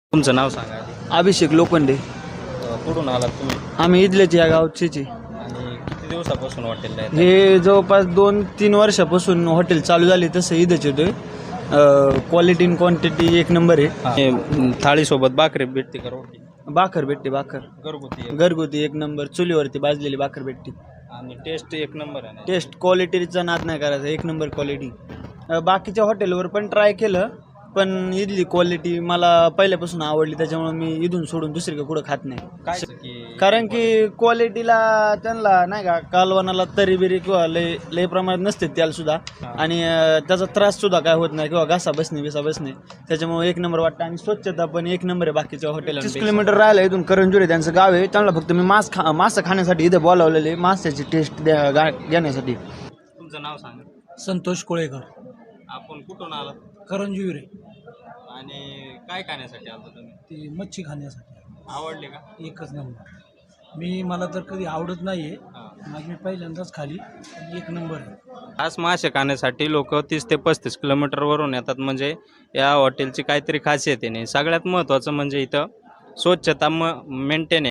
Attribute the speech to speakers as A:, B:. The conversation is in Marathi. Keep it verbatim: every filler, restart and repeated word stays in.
A: तुमचं नाव सांगा आधी.
B: अभिषेक लोखंडे.
A: अ, कुठून आलात तुम्ही
B: आम्ही इथलेच या गावचेच आहे.
A: आणि किती दिवसापासून हॉटेलला आहे?
B: हे जवळपास दोन तीन वर्षापासून हॉटेल चालू झाले तसं इथंच येतोय. क्वालिटी इन क्वांटिटी एक नंबर आहे.
A: थाळीसोबत भाकरी भेटते का रोटी?
B: भाकर भेटते, भाकर
A: घरगुती आहे.
B: घरगुती एक नंबर, चुलीवरती भाजलेली भाकर भेटते.
A: आणि टेस्ट एक नंबर आहे ना?
B: टेस्ट क्वालिटीचा नाद नाही करायचा, एक नंबर क्वालिटी. बाकीच्या हॉटेलवर पण ट्राय केलं, पण इथली क्वालिटी मला पहिल्यापासून आवडली, त्याच्यामुळे मी इथून सोडून दुसरीकडे कुठं खात नाही.
A: काय की
B: कारण की क्वालिटीला त्यांना नाही का कालवणाला तरी बिरी किंवा लय लय प्रमाणात नसते त्याला सुद्धा. आणि अं, त्याचा त्रास सुद्धा काय होत नाही किंवा घासा बसणे बिसा बसणे, त्याच्यामुळे एक नंबर वाटतं. आणि स्वच्छता पण एक नंबर आहे बाकीच्या हॉटेल. तीस किलोमीटर राहिलं इथून करंजुरी त्यांचं गाव आहे. त्यांना फक्त मी मांस खा मासं खाण्यासाठी इथे बोलावलेले, माशाची टेस्ट द्या गा- घेण्यासाठी.
A: तुमचं नाव सांगा.
C: संतोष कोळेकर,
A: आपण कुठून आलात
C: करंजविरे.
A: आणि काय खाण्यासाठी आलता तुम्ही?
C: ती मच्छी खाण्यासाठी
A: आवडले का?
C: एकच नंबर. मी मला तर कधी आवडत नाही आहे,
A: हां.
C: आज मी पहिल्यांदाच खाली, पण एक नंबर आहे.
A: खास मासे खाण्यासाठी लोक तीस ते पस्तीस किलोमीटरवरून येतात. म्हणजे या हॉटेलची काहीतरी खासियत आहे. नाही सगळ्यात महत्त्वाचं म्हणजे इथं स्वच्छता म मेंटेन आहे.